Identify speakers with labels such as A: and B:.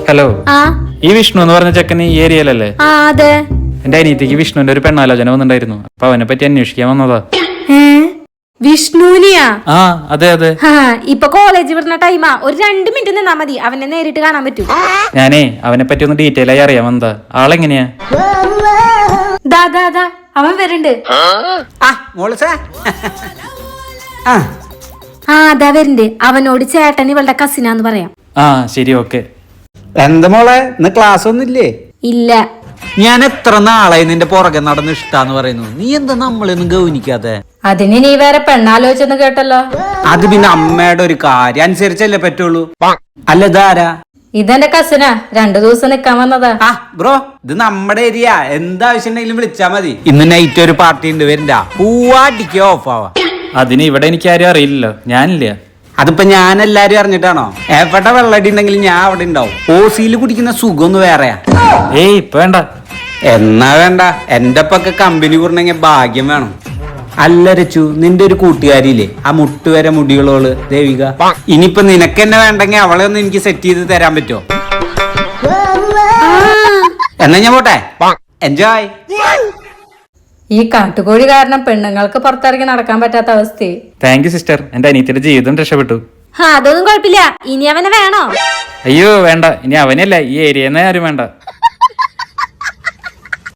A: Hello,
B: ആ
A: ഈ വിഷ്ണു എന്ന് പറഞ്ഞ ചെക്കൻ ഈ ഏരിയയിലല്ലേ?
B: ആ അതെ.
A: എന്റെ അനിയത്തിക്ക് വിഷ്ണുവിന്റെ ഒരു പെണ്ണാലോചന വന്നിട്ടുണ്ടായിരുന്നു. അപ്പൊ അവനെ പറ്റി അന്വേഷിക്കാൻ വന്നതാ.
B: വിഷ്ണുവിനെയാ?
A: ആ അതെ അതെ.
B: ഇപ്പൊ കോളേജ് വിടുന്ന ടൈമാ. ഒരു 2 മിനിറ്റ് നിന്നാ മതി, അവനെ നേരിട്ട് കാണാൻ പറ്റും.
A: ഞാനേ അവനെ പറ്റി ഒന്ന് ഡീറ്റെയിൽ ആയി അറിയാൻ വന്നതാ. ആളെങ്ങനെയാ?
B: ദാ അവൻ വരുന്നുണ്ട്. അതാ വരുന്നുണ്ട്. അവനോട് ചേട്ടൻ ഇവളുടെ കസിനാന്ന് പറയാം.
A: ആ ശരി, ഓക്കെ.
C: എന്താ മോളെ, ഇന്ന് ക്ലാസ് ഒന്നുമില്ലേ?
B: ഇല്ല.
C: ഞാൻ എത്ര നാളായി നിന്റെ പുറകെ നടന്ന് ഇഷ്ടാന്ന് പറയുന്നു. നീ എന്താ നമ്മളൊന്നും ഗൗനിക്കാതെ?
B: അതിന് നീ വേറെ പെണ്ണാലോചിച്ചെന്ന് കേട്ടല്ലോ.
C: അത് പിന്നെ അമ്മയുടെ ഒരു കാര്യം അനുസരിച്ചല്ലേ പറ്റുള്ളൂ. അല്ല ഇതാരാ?
B: ഇതെന്റെ കസിനാ, 2 ദിവസം നിക്കാൻ വന്നതാ.
C: ആ ബ്രോ, ഇത് നമ്മുടെ ഏരിയ. എന്താവശ്യം ഉണ്ടെങ്കിലും വിളിച്ചാ മതി. ഇന്ന് നൈറ്റ് ഒരു പാർട്ടി ഉണ്ട്, വരണ്ട. പൂവാടിക്ക് ഓഫ് ആവാ.
A: അതിന് ഇവിടെ എനിക്ക് ആരും അറിയില്ലല്ലോ, ഞാനില്ല.
C: അതിപ്പോ ഞാൻ എല്ലാരും അറിഞ്ഞിട്ടാണോ? എവിടെ വെള്ളടി ഉണ്ടെങ്കിലും ഞാൻ അവിടെ ഉണ്ടാവും. ഓസിയിൽ കുടിക്കുന്ന സുഖം ഒന്ന് വേറെയാ.
A: ഏയ് ഇപ്പൊ വേണ്ട.
C: എന്നാ വേണ്ട, എന്റെ ഒപ്പൊക്കെ കമ്പനി കൂടണമെങ്കിൽ ഭാഗ്യം വേണം. അല്ല രച്ചു, നിന്റെ ഒരു കൂട്ടുകാരിയില്ലേ, ആ മുട്ടുവരെ മുടികളോള് ദേവിക? ഇനിയിപ്പൊ നിനക്ക് എന്നെ വേണ്ടെങ്കിൽ അവളെ ഒന്ന് എനിക്ക് സെറ്റ് ചെയ്ത് തരാൻ പറ്റുമോ? എന്നാ ഞാൻ പോട്ടെ. എൻജോയ്.
B: ഈ കാട്ടുകോഴി കാരണം പെണ്ണുങ്ങൾക്ക് പുറത്തിറങ്ങി നടക്കാൻ പറ്റാത്ത അവസ്ഥ.
A: താങ്ക് യു സിസ്റ്റർ, എന്റെ അനിയത്തിന്റെ ജീവിതം രക്ഷപ്പെട്ടു.
B: അതൊന്നും കുഴപ്പമില്ല. ഇനി അവനെ വേണോ?
A: അയ്യോ വേണ്ട, ഇനി അവനല്ല, ഈ ഏരിയന്ന് ആരും വേണ്ട.